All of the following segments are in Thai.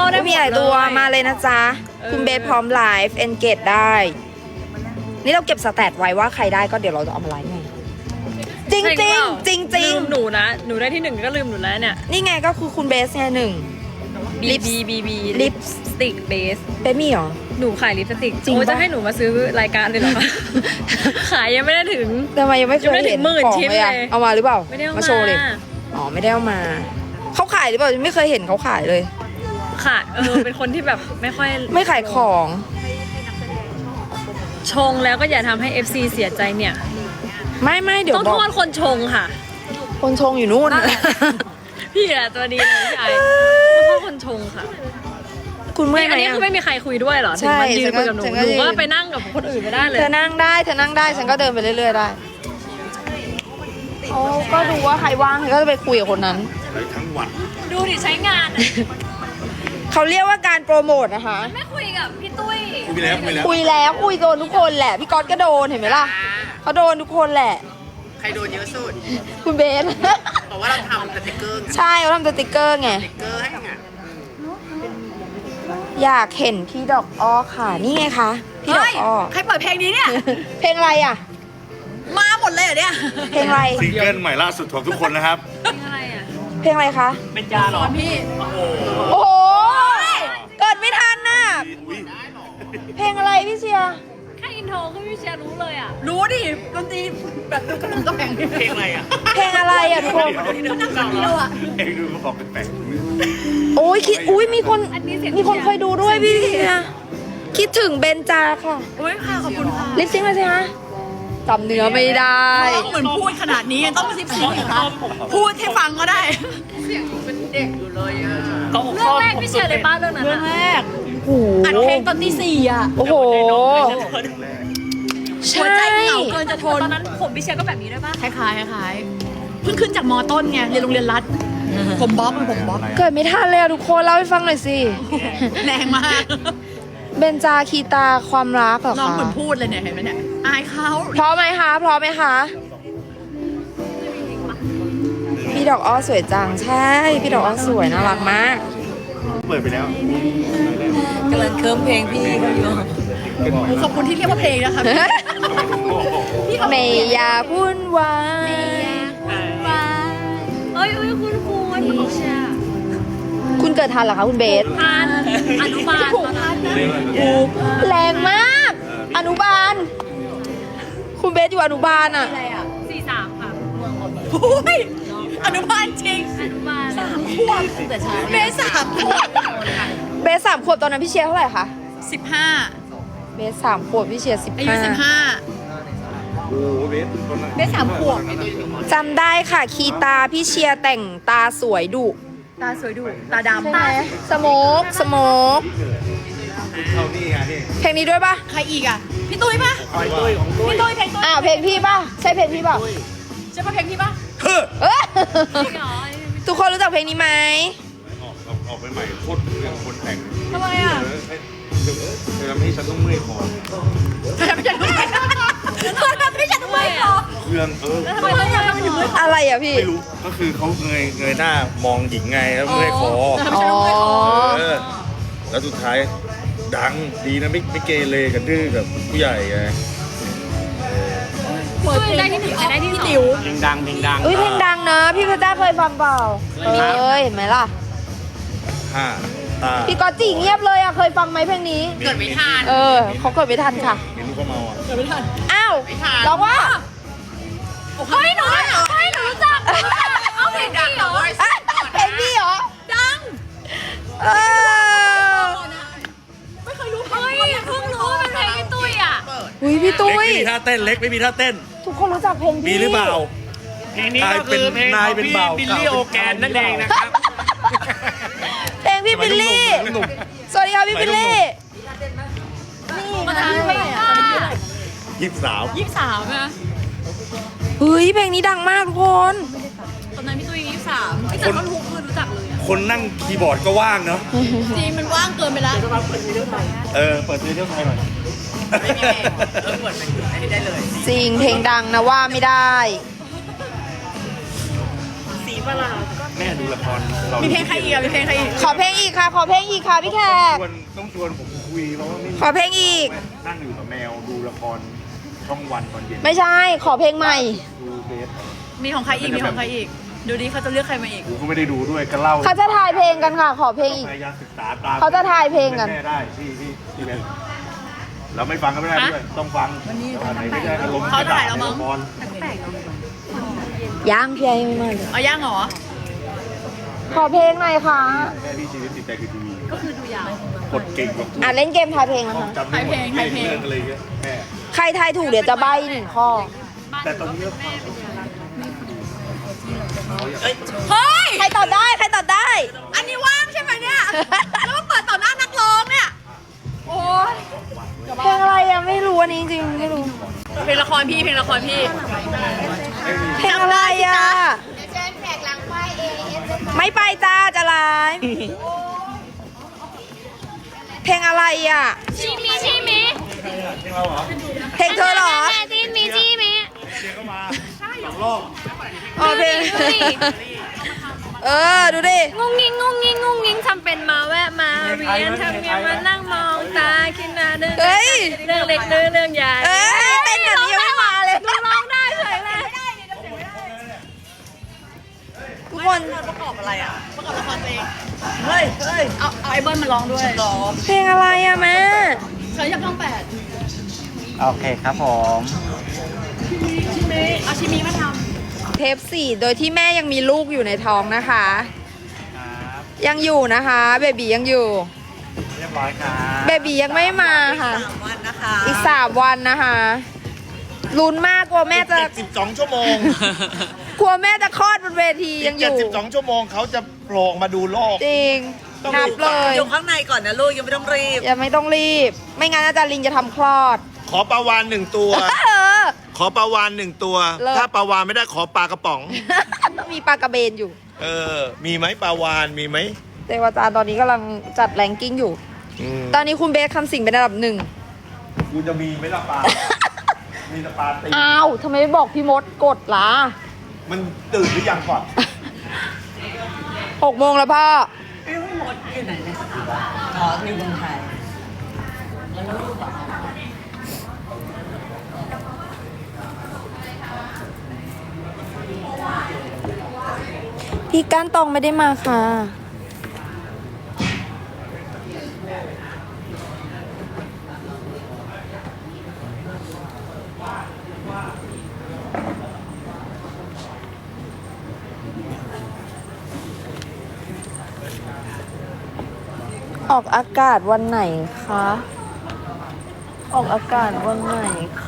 ได้หมดมีหลายตัวมาเลยนะจ๊ะคุณเบสพร้อมไลฟ์เอนเกจได้นี่เราเก็บสแตทไว้ว่าใครได้ก็เดี๋ยวเราจะเอามาไลฟ์ไงจริงจริงจริงจริงลืมหนูนะหนูได้ที่1ก็ลืมหนูแล้วเนี่ยนี่ไงก็คือคุณเบสไง1 BB ลิปสติกเบสเบสมีเหรอหนูขายลิปสติกจริงโอ้ยปะจะให้หนูมาซื้อรายการเลยเหรอคะ ขายยังไม่ได้ถึงทำไมยังไม่เคยยังไม่ถึเห็นงหมื่นของชิ้นเลยอะเลยเอามาหรือเปล่าไม่ได้เอาโชว์เลยอ๋อไม่ได้เอามาเขาขายหรือเปล่าไม่เคยเห็นเขาขายเลยค่ะเป็นคนที่แบบไม่ค่อยไม่ขายของชงแล้วก็อย่าทำให้ FC เสียใจเนี่ยไม่เดี๋ยวต้องบโทอกษคนชงค่ะคนชงอยู่นู่นพี่อะตัวดีเลยพี่ไอต้องโทษคนชงค่ะคุณเมื่อยไหมอันนี้อะคือไม่มีใครคุยด้วยเหรอใช่ถึงมันยืนคุยกับหนูฉันก็หนูยืนก็ไปนั่งกับคนอื่นไม่ได้เลยเธอนั่งได้ฉันก็เดินไปเรื่อยๆได้เขาก็ดูว่าใครว่างเขาก็จะไปคุยกับคนนั้นทั้งวันดูดิใช้งานอะเขาเรียกว่าการโปรโมทนะคะไม่คุยกับพี่ตุ้ยคุยแล้วคุยโดนทุกคนแหละพี่ก๊อตก็โดนเห็นไหมล่ะเขาโดนทุกคนแหละใครโดนเยอะสุดคุณเบสเพราะว่าเราทำสติ๊กเกอร์ไงใช่เขาทำสติกเกอร์ไงสติ๊กเกอร์ให้ไงอยากเห็นพี่ดอกอ้อค่ะ นี่ไงคะพี่ดอกอ้อใครเปิดเพลงนี้เนี่ยเพลงอะไรอ่ะมาหมดเลยเหรอเนี่ยเพลงอะไรซิงเกิลใหม่ล่าสุดของทุกคนนะครับอะไรอ่ะเพลงอะไรคะเป็นยาหรอพี่โอ้โหเกิดไม่ทันน่ะเพลงอะไรพี่เชียร์แค่อินโทรก็พี่เชียร์รู้เลยอ่ะรู้ดิดนตรีแบบกระปุกกระแพงเพลงอะไรอ่ะเพลงอะไรอ่ะทุกคนนั่งคนเดียวอ่ะเองดูก็บอกแปลกโอ้ยคิดอุ้ยมีคนอันนี้เสียงมีคนเคยดูด้วยพี่เชียร์คิดถึงเบนจาค่ะโอ้ยค่ะขอบคุณค่ะลิปซิงค์มาสิคะจำเนื้อไม่ได้ต้องเหมือนพูดขนาดนี้ต้องซิปซิงเหรอคะพูดให้ฟังก็ได้เรื่องแรกพี่เชียร์เลยป้าเรื่องนั้นเรื่องแรกโอ้โหอัดเพลงตอนตีสี่อ่ะโอ้โหหัวใช่ใจเหงาเกินจะทนตอนนั้นผมพี่เชียร์ก็แบบนี้ด้วยป่ะคล้ายๆคล้ายๆเพิ่งขึ้นจากมต้นไงเรียนโรงเรียนรัฐผมบ๊อบผมบ๊อบเกิดไม่ทันเลยอะทุกคนเล่าให้ฟังหน่อยสิแรงมากเบนจาคีตาความรักเหรอน้องคะเหมือนพูดเลยเนี่ยเห็นไหมเนี่ยอายเขาพร้อมไหมคะพร้อมไหมคะพี่ดอกอ้อสวยจังใช่พี่ดอกอ้อสวยน่ารักมากๆเปิดไปแล้วกำลังเคิร์มเพลงพี่เขาอยู่ขอบคุณที่เรียกว่าเพลงนะคะพี่ไม่อยากวุ่นวายเอ้ยคุณพี่เชียร์คุณเกิดทันเหรอคะคุณเบสทานอนุบาลตอนนั้นแรงมาก อนุบาล คุณเบสอยู่อนุบาลอะ 43ค่ะโอ้ยอนุบาลจริงอนุบาลขวบแต่เช้าเมษ3 ขวบเบส3 ขวบตอนนั้นพี่เชียร์เท่าไหร่คะ 15 เบส3 ขวบพี่เชียร์อายุโอ้โหเบสคนละ 15เมษ3 ขวบจำได้ค่ะ คีตาพี่เชียร์แต่งตาสวยดุตาสวยดูตาดำใช่ไหมสโมกสโมกเข้านี่ไงนี่เพลงนี้ด้วยปะใครอีกอ่ะ พี่ตุ้ยปะคอยตุ้ยของตุ้ยพี่ตุ้ยเพลงตุ้ยอ้าวเพลงพี่ปะใช่เพลงพี่ปะใช่ปะเพลงพี่ปะเฮ้อเอ้ยจริงเหรอทุกคนรู้จักเพลงนี้ไหมออกไปใหม่โคตรเรื่องคนแต่งทำไมอ่ะเธอทำให้ฉันต้องเมื่อยคอไม่ใช่ทำไมไม่ใช่ทำไมหรอเครื่องทำไมต้องทำมันถึงมืออะไรอ่ะพี่ไม่รู้ก็คือเขาเงยหน้ามองหญิงไงแล้วเมื่อยคออ๋อเออแล้วสุดท้ายดังดีนะไม่เกเรกันดื้อกับผู้ใหญ่ไงตุ้ยได้ที่1ได้ที่2 ติ๋วเพลงดังเพลงดังเอ้ยเพลงดังนะ พี่เพชรจ้าเคยฟังเปล่าเอ้ยเห็นไหมล่ะห้าตาพี่กอตจิเงียบเลยอ่ะเคยฟังไหมเพลงนี้เกิดไม่ทันเขาเกิดไม่ทันค่ะเห็นลูกเขาเมาอ่ะเกิดไม่ทันอ้าวไม่ทันร้องว่าเฮ้ยหนูได้เหรอเฮ้ยหนูรู้จักเอาเพลงพี่เหรออ่ะเพลงพี่เหรอดังเออไม่เคยรู้เฮ้ยเพิ่งรู้ว่าเป็นเพลงพี่ตุ้ยอ่ะหุยพี่ตุ้เล็กยไม่มีท่าเต้นเล็กไม่มีท่าเต้นทุกคนรู้จักเพลงพี่มีหรือเปล่าเพลงนี้ก็คือเพลงของพี่บิลลี่โอแกนนั่นเองนะครับเพลงพี่บิลลี่หนุ่มสวัสดีค่ะพี่บิลลี่มาทันไปอ่ะ 23 23นะเฮ้ยเพลงนี้ดังมากทุกคนตอนนั้นพี่ตุ้ย23พี่จันทร์ทุกคืนรู้จักเลยอ่ะคนนั่งคีย์บอร์ดก็ว่างเนาะจริงมันว่างเกินไปแล้วเปิดเที่ยวไทยหน่อยไม่มีเพลงเปิดเป็นอันนี้ได้เลยจริงเพลงดังนะว่าไม่ได้สีประหลาดก็แม่ดูละครเรามีเพลงใครอีกอะมีเพลงใครอีกขอเพลงอีกค่ะ ขอเพลงอีกค่ะพี่แขกต้องชวนผมคุยเพราะว่าไม่มีขอเพลงอีกนั่งอยู่กับแมวดูละครช่องวันตอนเย็นไม่ใช่ ขอเพลงใหม่ดูเบสมีของใครอีก มีของใครอีก ดูดิเขาจะเลือกใครมาอีกกูก็ไม่ได้ดูด้วยก็เล่าเขาจะถ่ายเพลงกันค่ะ ขอเพลงอีกพยายามศึกษาตามเขาจะถ่ายเพลงกันแม่ได้พี่เบสเราไม่ฟังก็ไม่ได้ด้วยต้องฟังอันไหนไม่ได้อารมณ์เขาถ่ายแล้วมั้งละครย่างพี่ไอ้ไม่มาเลยเอาย่างเหรอขอเพลงหน่อยค่ะแม่พี่ชีวิตติดใจคือทีวีก็คือดูยาวกดเก่งกว่าอ่ะเล่นเกมทายเพลงนะคะจำได้หมดใครเพลงเรื่องอะไรเงี้ยแม่ใครทายถูกเดี๋ยวจะใบ้หนึ่งข้อแต่ตอนนี้เฮ้ยใครตอบได้ ใครตอบได้อันนี้ว่างใช่ไหมเนี่ย แล้วมาเปิดต่อหน้านักร้องเนี่ย โอ้ยเพลงอะไรอะไม่รู้อันนี้จริงๆไม่รู้เพลงละครพี่ เพลงละครพี่เพลงอะไรอะไม่ไปจ้าจะไลฟ์เพลงอะไรอะชิมิชิมิเพลงเธอเหรอแม่จีนมีชิมิอ๋อเพลงดูดิเออ ดูดิงุ้งงิ้งงุ้งงิ้งงุ้งงิ้งทำเป็นมาแวะมาเรียนทำยังมานั่งมองตาคิดหน้าเดินเฮ้ยเรื่องเล็กเรื่องใหญ่เอ้ยเต้นแบบนี้ยังไม่มาเลยดูร้องได้เลยแม่ทุกคนประกอบอะไรอ่ะ ประกอบละครตัวเอง เฮ้ย เอาไอ้เบิ้ลมาร้องด้วยร้องเพลงอะไรอะแม่เธออยากช่องแปดโอเคครับผมชิมิเอาชิมิมาทเทป4โดยที่แม่ยังมีลูกอยู่ในท้องนะคะ ยังอยู่นะคะ เบบียังอยู่เรียบร้อยครับเบบียังไม่มาค่ะ 3 วันนะคะอีก3 วันนะคะลุ้นมากกลัวแม่จะ 72 ชั่วโมงกลัวแม่จะคลอดบนเวทียังอยู่ 72 ชั่วโมงเขาจะโผล่มาดูโลกจริงต้องนับเลยอยู่ข้างในก่อนนะลูกยังไม่ต้องรีบยังไม่ต้องรีบ ไม่งั้นอาจารย์ลิงจะทำคลอดขอปลาวาน1 ตัวเออขอปลาวาน1 ตัวเลิศถ้าปลาวานไม่ได้ขอปลากระป๋องมีปลากระเบนอยู่เออ มีไหมปลาวานมีไหมเทวาจารย์ตอนนี้กำลังจัดแรงกิ้งอยู่ ตอนนี้คุณเบสคำสิงเป็นอันดับ1 กูจะมีไหมล่ะปลา มีแต่ปลาตีอ้าวทำไมไม่บอกพี่มดกดล่ะมันตื่นหรือยังก่อน 6 โมงแล้วพ่ออ๋ออยู่เมืองไทยพี่ก้านตองไม่ได้มาค่ะ ออกอากาศวันไหนคะ ออกอากาศวันไหนคะ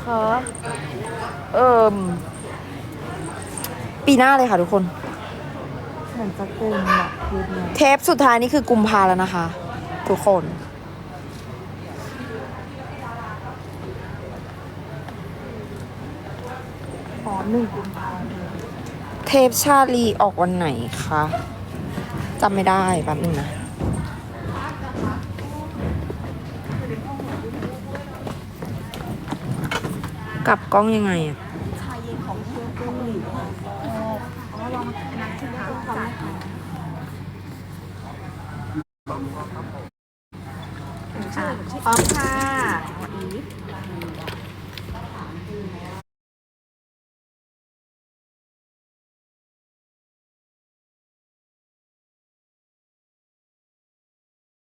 ปีหน้าเลยค่ะทุกคน เหมือนจะกุมอะเทปสุดท้ายนี่คือกุมภาแล้วนะคะ ทุกคน 1 กุมภาเทปชาลีออกวันไหนคะจำไม่ได้แป๊บนึงนะ กลับกล้องยังไงอะพร้อมค่ะ